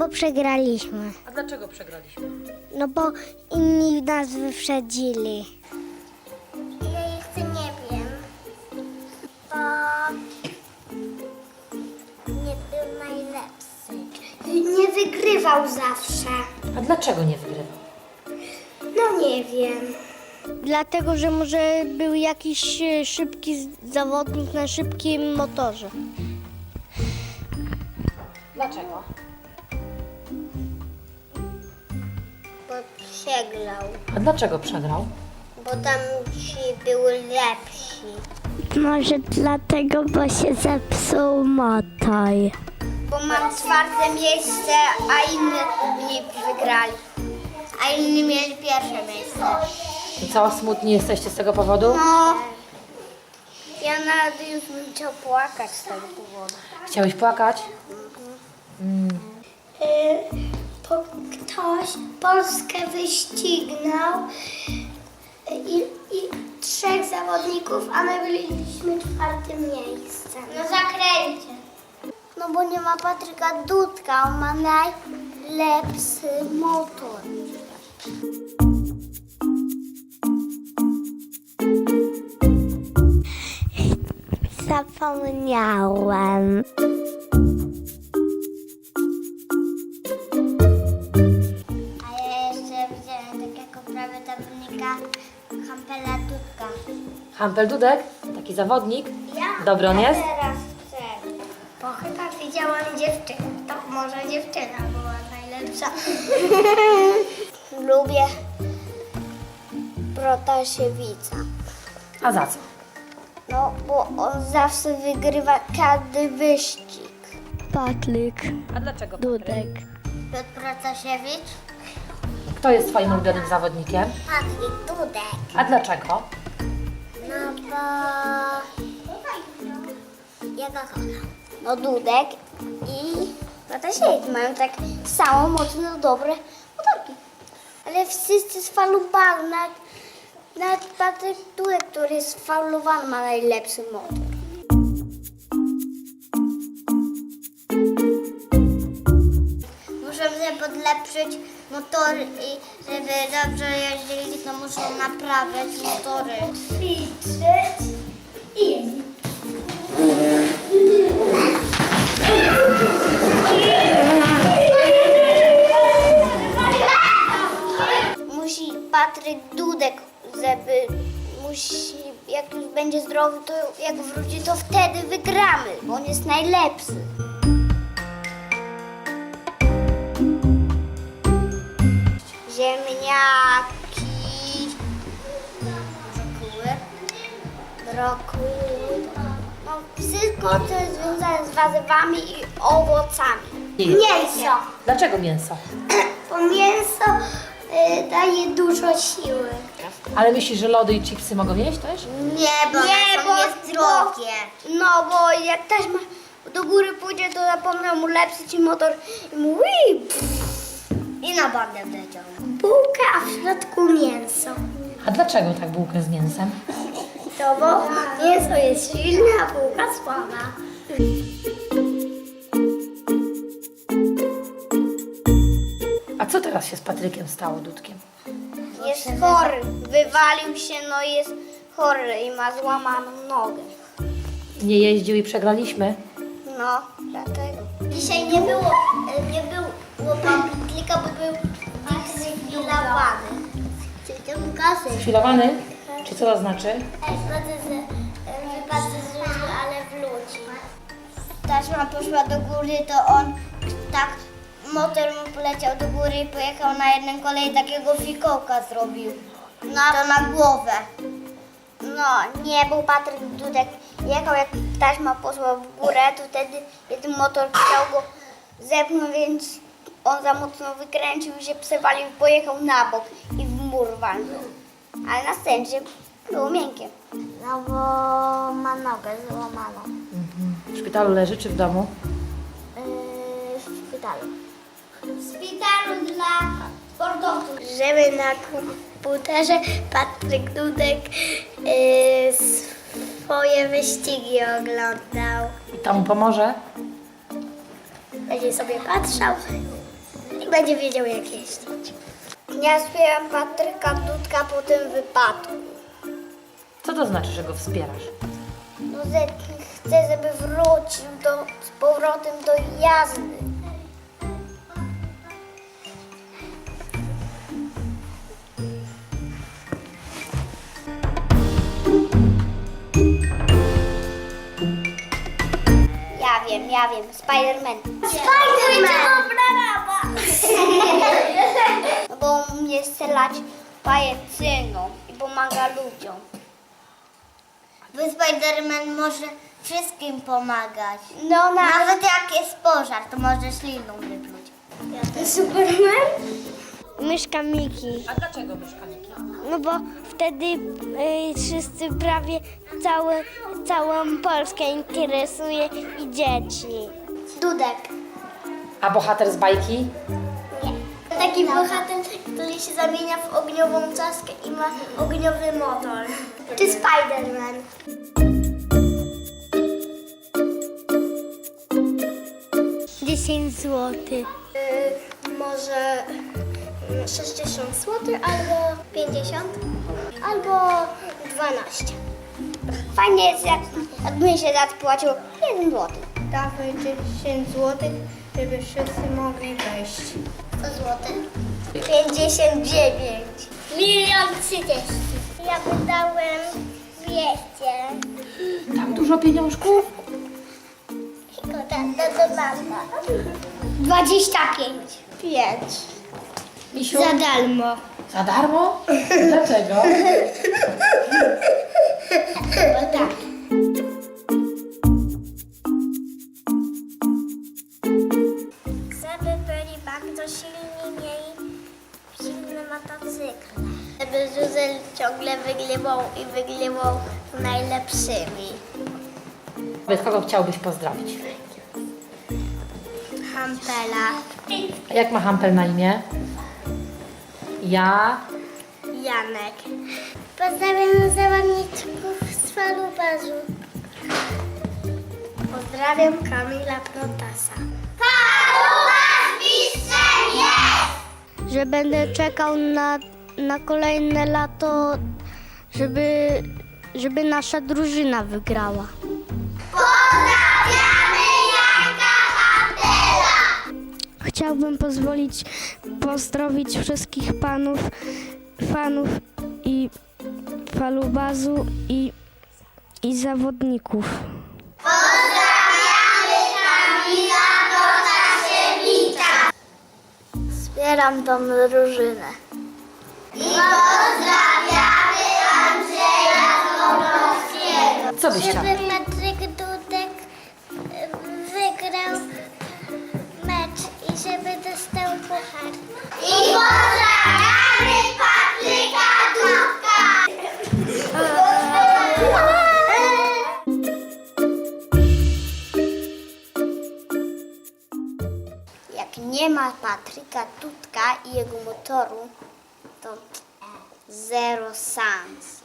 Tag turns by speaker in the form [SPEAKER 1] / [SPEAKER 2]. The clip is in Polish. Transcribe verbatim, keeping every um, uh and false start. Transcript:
[SPEAKER 1] bo przegraliśmy.
[SPEAKER 2] A dlaczego przegraliśmy?
[SPEAKER 1] No bo inni nas wyprzedzili.
[SPEAKER 3] Ja jeszcze nie wiem, bo nie był najlepszy. Nie wygrywał zawsze.
[SPEAKER 2] A dlaczego nie wygrywał?
[SPEAKER 3] No nie wiem.
[SPEAKER 1] Dlatego, że może był jakiś e, szybki z- zawodnik na szybkim motorze.
[SPEAKER 2] Dlaczego?
[SPEAKER 3] Bo przegrał.
[SPEAKER 2] A dlaczego przegrał?
[SPEAKER 3] Bo tam ci były lepsi.
[SPEAKER 1] Może dlatego, bo się zepsuł motor.
[SPEAKER 3] Bo mam czwarte miejsce, a inni nie wygrali. A inni mieli pierwsze miejsce.
[SPEAKER 2] I co, smutni jesteście z tego powodu?
[SPEAKER 3] No, ja nawet już bym chciał płakać z tego powodu.
[SPEAKER 2] Chciałeś płakać?
[SPEAKER 3] Po, ktoś Polskę wyścignął i, i trzech zawodników, a my byliśmy czwartym miejscem. No zakręcie. No bo nie ma Patryka Dudka, on ma najlepszy motor.
[SPEAKER 1] Zapomniałem.
[SPEAKER 3] A ja jeszcze widziałem takiego prawie zawodnika Hampela Dudka.
[SPEAKER 2] Hampel Dudek? Taki zawodnik?
[SPEAKER 3] Ja?
[SPEAKER 2] Dobry on jest?
[SPEAKER 3] Teraz chcę. Bo chyba widziałam dziewczynę. To może dziewczyna była najlepsza. Lubię Protasiewica.
[SPEAKER 2] A za co?
[SPEAKER 3] No, bo on zawsze wygrywa każdy wyścig.
[SPEAKER 1] Patryk
[SPEAKER 2] A dlaczego?
[SPEAKER 1] Dudek.
[SPEAKER 3] Piotr Protasiewicz?
[SPEAKER 2] Kto jest twoim ulubionym zawodnikiem?
[SPEAKER 3] Patryk Dudek.
[SPEAKER 2] A dlaczego?
[SPEAKER 3] No bo... Ja go kocham. No Dudek i Protasiewicz mają tak samo mocno dobre motorki. Ale wszyscy sfalowali. Nawet, nawet Patryk Dudek, który jest sfalowany, ma najlepszy motor. Muszą sobie podlepszyć motory i żeby dobrze jeździli, to muszą naprawiać motory. Ćwiczyć i jeździć. Musi Patryk Dudek, żeby musi, jak już będzie zdrowy, to jak wróci, to wtedy wygramy, bo on jest najlepszy. Ziemniaki, brokuły, brokuły, no wszystko, co jest związane z warzywami i owocami.
[SPEAKER 2] Nie.
[SPEAKER 3] Mięso.
[SPEAKER 2] Dlaczego mięso?
[SPEAKER 3] Bo mięso y, daje dużo siły.
[SPEAKER 2] Ale myślisz, że lody i chipsy mogą jeść też?
[SPEAKER 3] Nie, bo nie, bo jest drogie. No, bo jak taśma do góry pójdzie, to zapomnę mu lepszy ci motor i mu ui, pff, i na bandę wleciał. Bułka, a w środku mięso.
[SPEAKER 2] A dlaczego tak bułkę z mięsem?
[SPEAKER 3] To bo mięso jest silne, a bułka słaba.
[SPEAKER 2] A co teraz się z Patrykiem stało, Dudkiem?
[SPEAKER 3] Jest chory, wywalił się, no i jest chory i ma złamaną nogę.
[SPEAKER 2] Nie jeździł i przegraliśmy?
[SPEAKER 3] No, dlatego. Dzisiaj nie było, nie było Pawlika, bo był dyscyplinowany.
[SPEAKER 2] Chwilowany? Czy co to znaczy?
[SPEAKER 3] Wypadł z różu, ale wróci. Taśma poszła do góry, to on tak, motor mu poleciał do góry i pojechał na jednym kolei, takiego fikołka zrobił. No to na głowę. No, nie był Patryk Dudek. Jechał, jak taśma poszła w górę, to wtedy jeden motor chciał go zepchnąć, więc on za mocno wykręcił i się przewalił, pojechał na bok i w mur walnął. Ale na szczęście było miękkie. No bo ma nogę złamaną.
[SPEAKER 2] W szpitalu leży czy w domu?
[SPEAKER 3] Yy, w szpitalu. W szpitalu dla sportowców. Żeby na komputerze Patryk Dudek yy, swoje wyścigi oglądał.
[SPEAKER 2] I to mu pomoże?
[SPEAKER 3] Będzie sobie patrzał będzie wiedział, jak jeździć. Ja wspieram Patryka Dudka po tym wypadku.
[SPEAKER 2] Co to znaczy, że go wspierasz?
[SPEAKER 3] No, że chcę, żeby wrócił do, z powrotem do jazdy. Ja wiem, ja wiem, Spider-Man. Spider-Man! No bo on umie strzelać pajecyną i pomaga ludziom. Bo Spider-Man może wszystkim pomagać. No, nawet jak jest pożar, to może śliną wypluć. Superman?
[SPEAKER 1] Myszka Miki.
[SPEAKER 2] A dlaczego myszkaniki?
[SPEAKER 1] No bo wtedy y, wszyscy prawie całe, całą Polskę interesuje i dzieci.
[SPEAKER 3] Dudek.
[SPEAKER 2] A bohater z bajki?
[SPEAKER 3] Taki bohater, który się zamienia w ogniową czaskę i ma ogniowy motor. Czy Spider-Man?
[SPEAKER 1] dziesięć złotych.
[SPEAKER 3] Yy, może sześćdziesiąt złotych albo pięćdziesiąt albo dwanaście. Fajnie jest, jak, jak mi się zapłaciło jeden złoty.
[SPEAKER 4] Dawaj dziesięć złotych, żeby wszyscy mogli wejść.
[SPEAKER 3] sto złotych. pięćdziesiąt dziewięć. Milion trzydzieści. Ja wydałem dwieście.
[SPEAKER 2] Tak dużo pieniążków?
[SPEAKER 3] Szkoda, to do mama. dwadzieścia pięć. pięć.
[SPEAKER 2] Misiu?
[SPEAKER 3] Za darmo.
[SPEAKER 2] Za darmo? Dlaczego?
[SPEAKER 3] Bo tak. Żeby byli bardzo silni, mieli silne motocykle. Żeby Zuzel ciągle wygrywał i wygrywał z najlepszymi.
[SPEAKER 2] Kogo chciałbyś pozdrowić?
[SPEAKER 3] Hampela.
[SPEAKER 2] A jak ma Hampel na imię? Ja.
[SPEAKER 3] Janek. Pozdrawiam zawodniczków z falubazu. Pozdrawiam Kamila Protasa. Falubaz mistrzem jest!
[SPEAKER 1] Że będę czekał na, na kolejne lato, żeby, żeby nasza drużyna wygrała.
[SPEAKER 3] Pozdrawiamy Janka Hampela!
[SPEAKER 1] Chciałbym pozwolić pozdrowić wszystkich panów, fanów i falubazu i, i zawodników.
[SPEAKER 3] Wspieram tą drużynę. I pozdrawiamy Andrzeja Złotowskiego.
[SPEAKER 2] Co byś chciał?
[SPEAKER 3] Żeby Patryk Dudek wygrał mecz i żeby dostał puchar. I pozdrawiamy Patryka Dudka! Jak nie ma Patryka Dudka i jego motoru, to zero szans.